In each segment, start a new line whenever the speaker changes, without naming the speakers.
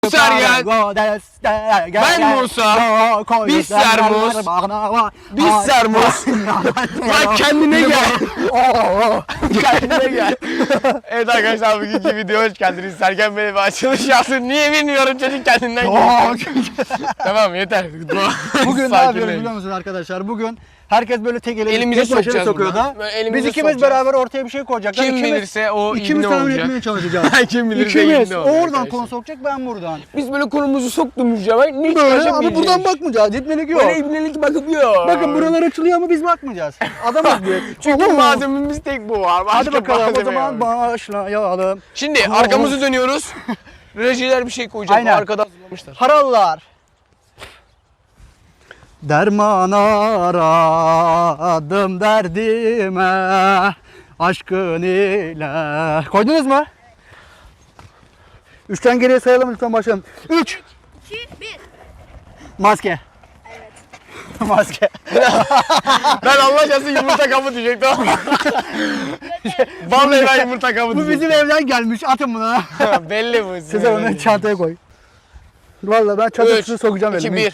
Sergen, ben Musa, biz Sermuz, biz Sermuz. Lan kendine gel. Kendine gel. Evet arkadaşlar, bugünkü videoya hoş geldiniz. Sergen Bey bir açılış yapsın. Niye bilmiyorum, çocuk kendinden geliyor. Tamam yeter.
Bugün ne yapıyoruz biliyor musunuz arkadaşlar? Bugün herkes böyle tek
elimize
sokacağız sokuyor da. Biz ikimiz beraber ortaya bir şey koyacaklar.
Kim bilirse o
İkimiz
ibne
tahmin
olacak.
etmeye çalışacağız.
Kim bilirse
İkimiz.
ibne
O
olacak.
oradan konu sokacak, ben buradan.
Biz böyle konumuzu soktuğumuz zaman ne
Böyle ama buradan bakmayacağız. Gitmelik yok.
Böyle ibnelik bakıp yok.
Bakın buralar açılıyor ama biz bakmayacağız. Adamız büyük.
Çünkü malzememiz tek bu var.
Hadi bakalım o
malzeme
zaman
yok.
başlayalım.
Şimdi arkamızı dönüyoruz. Rejiler bir şey koyacak.
Aynen.
Arkada hazırlamışlar.
Harallar. Derman aradım derdime aşkın ile. Koydunuz mu? 3'ten geriye sayalım lütfen, başlayalım. 3
2, 1.
Maske.
Evet.
Maske.
Ben Allah aşkına yumurta kabı diyecektim ama. Vallahi ben yumurta kabı
Bu
diyecektim.
bizim evden gelmiş. Atın bunu.
Belli bu.
Size onu çantaya koy. Vallahi ben çantasını sokacağım
2,
elime.
1.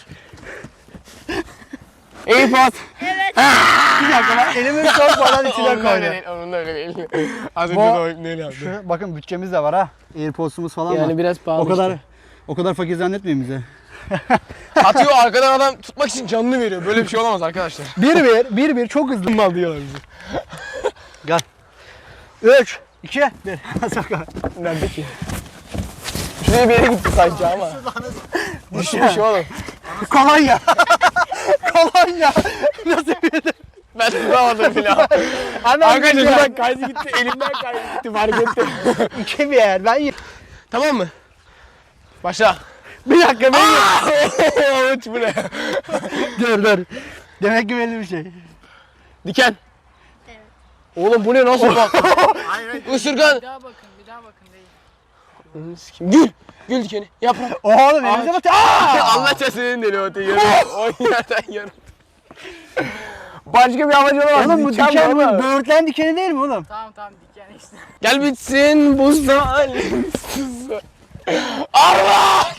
AirPods.
Evet.
Bir dakika, ben elimi sokmadan içine
Onun da öyle
koydum.
değil. Onun da öyle değil. Az önce
Bu-
de o neyle yaptı.
Şu, bakın bütçemiz de var ha. AirPods'umuz falan var.
Yani biraz pahalı
O kadar fakir zannetmeyin bize.
Atıyor arkadan adam tutmak için canını veriyor. Böyle bir şey olamaz arkadaşlar.
1-1 çok hızlı.
Mal diyorlar bize.
Gel. 3 2 1.
Nerede ki? Şuraya bir yere gitti sanki ama. Düşmüş oğlum.
Kolonya. Kolonya. Nasıl bir
Ben tutamadım bile. Arkadaşlar şuradan kaydı gitti. Elimden kaydı gitti. Fark ettim.
2-1. Ben
Tamam mı? Başla.
bir dakika ben
Uç bu ne?
dur. Demek ki belli bir şey.
Diken.
Evet.
Oğlum bu ne, nasıl bak? Isırgan.
Bir daha bakın değil.
Gül dikeni. Yaprak.
Oğlum elimize bak.
Allah çesinin deli o yarım. O yerden yarım. Başka bir amacı olamaz.
Oğlum bu diken
var
bu
ama.
böğürtlen dikeni değil mi oğlum?
Tamam diken işte.
Gel bitsin bu zalimsiz. Allah!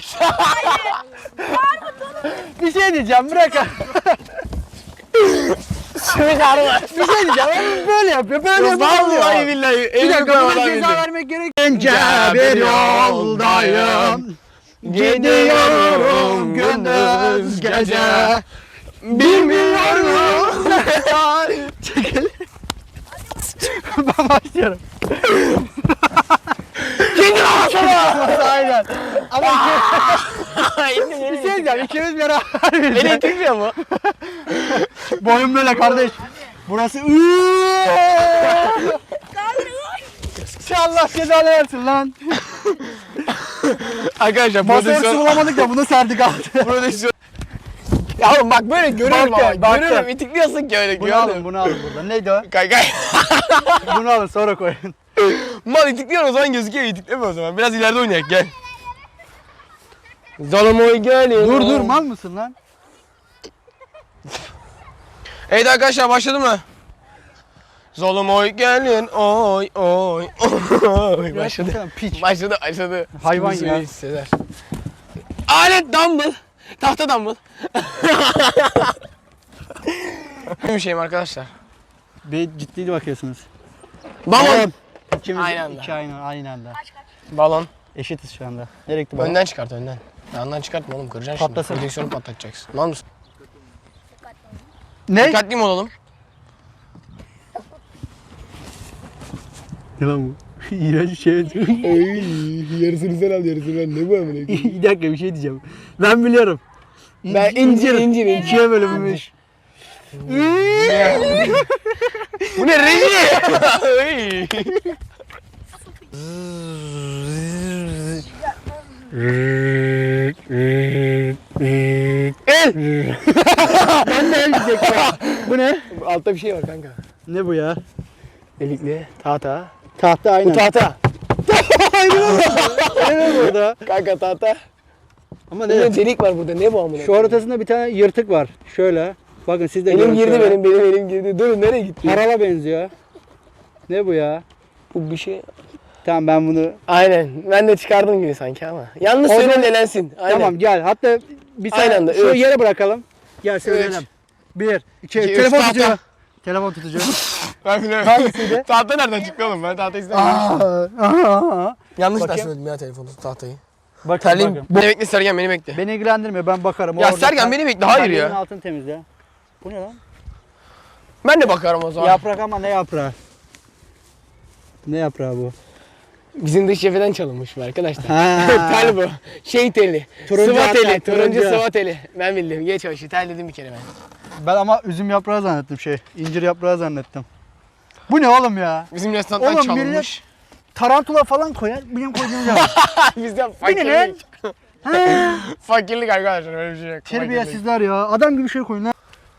Bir şey diyeceğim, bırak.
Sümük arma.
Bir şey diyeceğim. Oğlum böyle yapıyor. Böyle yapıyor.
Vallahi billahi.
Bir dakika, buna ceza vermek gerek. Bence bir yoldayım. Gidiyorum gündüz gece.
Bilmiyorum.
Çekil. Ben başlıyorum.
Kendi ağzına.
Aynen. Ama bir şey diyeceğim. İkimiz beraber
Beni
bileceğiz.
itikmiyor mu?
Boyun böyle kardeş. Burası Allah cezanı versin lan.
Arkadaşlar
Masaya su bulamadık da bunu serdik altı.
prodüksiyon. Ya oğlum bak böyle görüyorum
Bak
ama.
gel, bak
Görüyorum,
gel.
itikliyorsun ki öyle.
Bunu alın, bunu alın buradan. Neydi o?
Kay.
Bunu alın, sonra koyun.
Mal itikliyor o zaman gözüküyor, itikleme o zaman. Biraz ileride oynayak gel. Zalomoy gelin.
Dur mal mısın lan?
Evet arkadaşlar, başladı mı? Zalomoy gelin oy oy oy. Başladı.
Piç.
Başladı.
Hayvan
Seni
ya.
hisseder. Alet dumbbell. Tahta dumbbell. Bir şeyim arkadaşlar.
Bir ciddi bakıyorsunuz.
Balon.
İkimiz
Aynı anda.
aynı anda.
Balon.
Eşitiz şu anda. Nereye gitti balon?
Önden çıkart önden. Yandan çıkartma oğlum, kıracaksın
Patlasın.
şimdi. Prodüksiyonu patlatacaksın. Lan mısın?
Ne?
Dikkatli mi olalım?
Ne lan bu? İğrenç bir şey.
Yarısını sen al, yarısını ben. Ne bu amına?
Bir dakika, bir şey diyeceğim. Ben biliyorum.
Ben incir.
İkiye bölünmüş.
Bu ne reji? El.
Ben de el diyecektim. Bu ne?
Altta bir şey var kanka.
Ne bu ya?
Delikli. Tahta.
Tahta aynen.
Bu tahta.
Ne burada?
Kanka tahta.
Ama
Ne
ne?
delik var burada. Ne bu amına?
Şu ortasında bir tane yırtık var. Şöyle. Bakın siz de
Elim
görün
girdi,
şöyle.
benim girdi. Durun, nereye gitti?
Harala benziyor. Ne bu ya?
Bu bir şey.
Tamam ben bunu...
Aynen. Ben de çıkardım gibi sanki ama. Yanlış
O
söyle
zaman-
elensin. Aynen.
Tamam gel. Hatta bir
Aynı anda,
tane şu
üç.
yere bırakalım. Gel söyleyelim. 1, 2,
üç,
telefon
tahta.
tutuyor. Telefon tutucu.
Ben biliyorum.
Hangisiydi?
Tahta nereden çıktı oğlum? Ben tahta istemiyorum. Yanlış da
Bakayım.
söyledim ya telefonu, tahtayı.
Bakın
Terliyim.
bakın.
Beni bekle Sergen, beni bekle.
Beni ilgilendirmiyor ben bakarım.
Ya
Orada
Sergen beni bekle, hayır
terliğimin
ya.
altını temizle. Bu ne lan?
Ben de bakarım o zaman.
Yaprak ama ne yaprağı? Ne yaprağı bu?
Bizim dış cepheden çalınmış bu arkadaşlar.
Ha.
Tel bu. Şey teli.
Turuncu
Sıva
hatta,
teli. Turuncu
turuncu.
sıva teli. Ben bildim. Geç o işi. Tel dedim bir kere ben.
Ben ama üzüm yaprağı zannettim incir yaprağı zannettim. Bu ne oğlum ya?
Bizim restorandan
Oğlum
çalınmış.
millet tarantula falan koyar. Benim koyduğum zaman.
Bizden
Bu ne lan?
fakirlik.
Ha.
Fakirlik arkadaşlar, öyle bir şey yok. Fakirlik.
Terbiyesizler ya. Adam gibi şey koyun lan.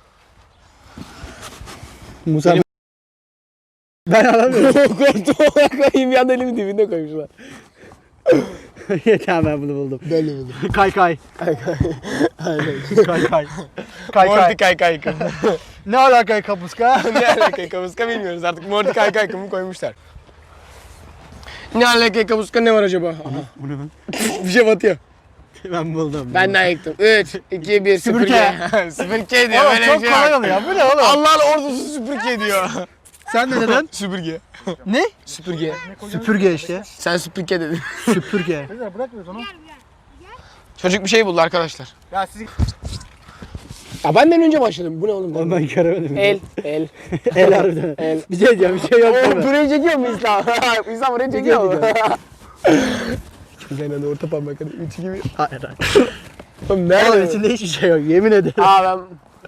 Musa ben alamıyorum.
Koltuğuna koyayım, bir anda elimin dibinde koymuşlar.
Tamam ben bunu buldum.
Ben de buldum.
Kay kay.
Aynen.
Kay kay. Kay
Morty
kay.
kaykay.
Ne alaka kapuska?
Ne alaka kapuska bilmiyoruz artık. Morty kaykay kımı koymuşlar. Ne alaka kapuska, ne var acaba? Aha.
Bu ne lan?
Bir şey batıyor.
Ben buldum.
Ben daha yıktım. 3, 2, 1,
Süpürge.
Süpürge diyor.
Oğlum
Böyle
çok
bir şey
kolay
yok.
oluyor. Bu ne oğlum?
Allah'ın ordusu süpürge diyor.
Sen ne dedin?
Süpürge.
Ne?
Süpürge.
Süpürge işte.
Sen süpürge dedin.
Süpürge.
Çocuk bir şey buldu arkadaşlar.
Ya siz...
Ya benden önce başladım. Bu ne oğlum?
Oğlum ben göremedim.
El.
El harbiden.
El.
Bir şey diyeceğim, bir şey yok değil
Oğlum
mi?
burayı çekiyor mu İslam? İslam burayı çekiyor mu? Ben de orta parmak hadi 3 gibi.
Hayır hayır.
Oğlum
Oğlum
nerede?
içinde hiçbir şey yok, yemin ederim.
Aa ben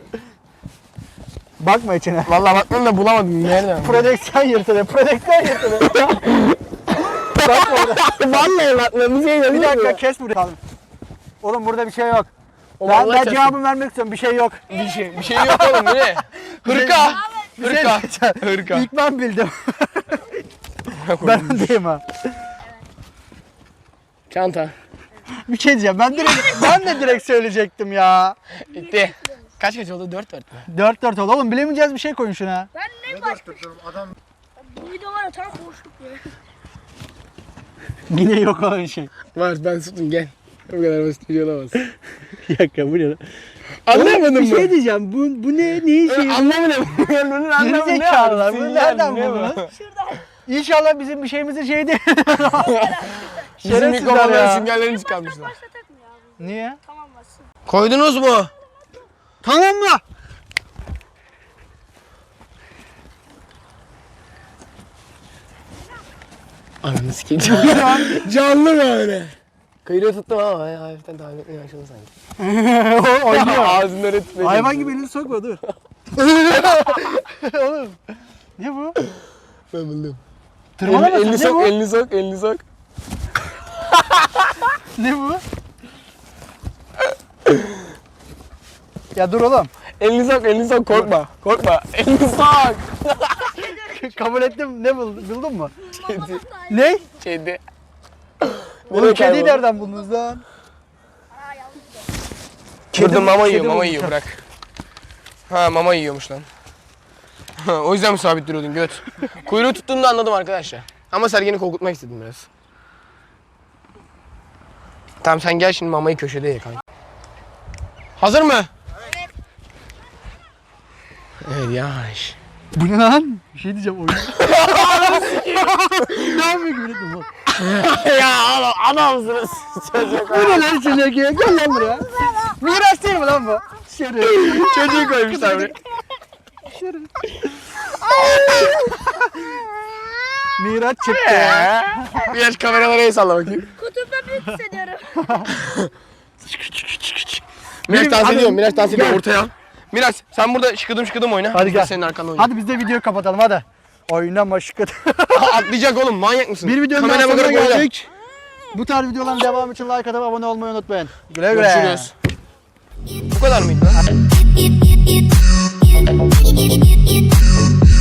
Bakma içine.
vallahi baktım da bulamadım. Nerede?
Prodüksiyon yırtılıyor, prodüksiyon yırtılıyor. Bakma orada.
Vallahi bakmadım. Bir şey yok.
Bir dakika kes burayı. Oğlum burada bir şey yok.
Oğlum
Ben,
Allah
ben
çarpsın.
cevabımı vermek istiyorum, bir şey yok.
Bir şey yok oğlum, bu ne? Hırka.
Bir şey
Hırka.
diyeceğim.
Hırka.
İlk ben bildim. Ben öndeyim ha.
Çanta.
Bir şey diyeceğim, ben de direkt söyleyecektim ya.
Bitti. Kaç oldu? 4-4 mü?
4-4 oldu. Oğlum bilemeyeceğiz bir şey koyun şuna.
Ben ne başka? Bu video var ya tam boşluk ya.
Yine yok olan şey.
Var, ben tuttum, gel. Bu kadar basit bir şey olamaz.
Bir dakika bu ne lan?
Anlamadın
Bir
mı?
şey diyeceğim, bu ne? Neyin şeyi?
Anlamadım. Bunun anlamı ne?
Gerizekalılar,
abi?
bunu
Sinyal
nereden
mi, ne bu?
buldunuz? İnşallah bizim bir şeyimizin şeyi değil.
Bizim
Şerefsizler
mikrofonların
ya.
süngerlerini çıkarmışlar.
Başlatak mı ya bu?
Niye?
Tamam bassın.
Koydunuz mu?
Tamam mı?
Ananı sikeyim. Canlı böyle. Kıyıda tuttum ama ya, hafiften tahmin etmeye başladım sanki.
Oynuyor.
Ağzından öyle tutmaya
Hayvan gibi elini sokma dur. Oğlum. Ne bu?
Ben buldum.
Tırmalamasın,
Elini
ne
sok,
bu?
elini sok, elini sok.
Ne bu? Ya dur oğlum.
Elini sok, korkma. Korkma. Elini sok.
Kabul ettim. Ne buldun mu?
Kedi.
Ne?
Kedi.
Oğlum
Nereye
kediyi
kayboldu?
nereden buldunuz lan?
Burada mama yiyor,
kedi
mama
bulmuş.
yiyor, bırak. Ha, mama yiyormuş lan. O yüzden mi sabit duruyordun göt? Kuyruğu tuttuğunu da anladım arkadaşlar. Ama Sergen'i korkutmak istedim biraz. Tamam sen gel şimdi, mamayı köşede ye kanka. Hazır mı? Evet yavaş.
Bu ne lan? Bir şey diyeceğim oyun. Ne yapıyor gibi dedim lan.
Ya oğlum adamsınız.
Bu ne lan çocuk ya? Gel lan buraya. Miras değil mi lan bu? Şerif.
Çocuğu koymuşlar buraya.
Şerif. Miraç çıktı.
Biraz kameralara el salla bakayım.
Kutumda büyük hissediyorum.
Miraç dans
hadi.
ediyor, Miraç dans ediyor
Gel.
ortaya al. Miraç sen burada şıkıdım oyna.
Hadi
Biz de
gel.
senin arkanda oynayalım.
Hadi biz de videoyu kapatalım hadi. Oynama şıkkıt.
Atlayacak oğlum, manyak mısın?
Bir videonun daha
Kamera
sonuna
bakarak oyna.
geldik. Bu tarz videoların devamı için like atıp abone olmayı unutmayın. Güle güle.
Görüşürüz. Bu kadar mıydı lan?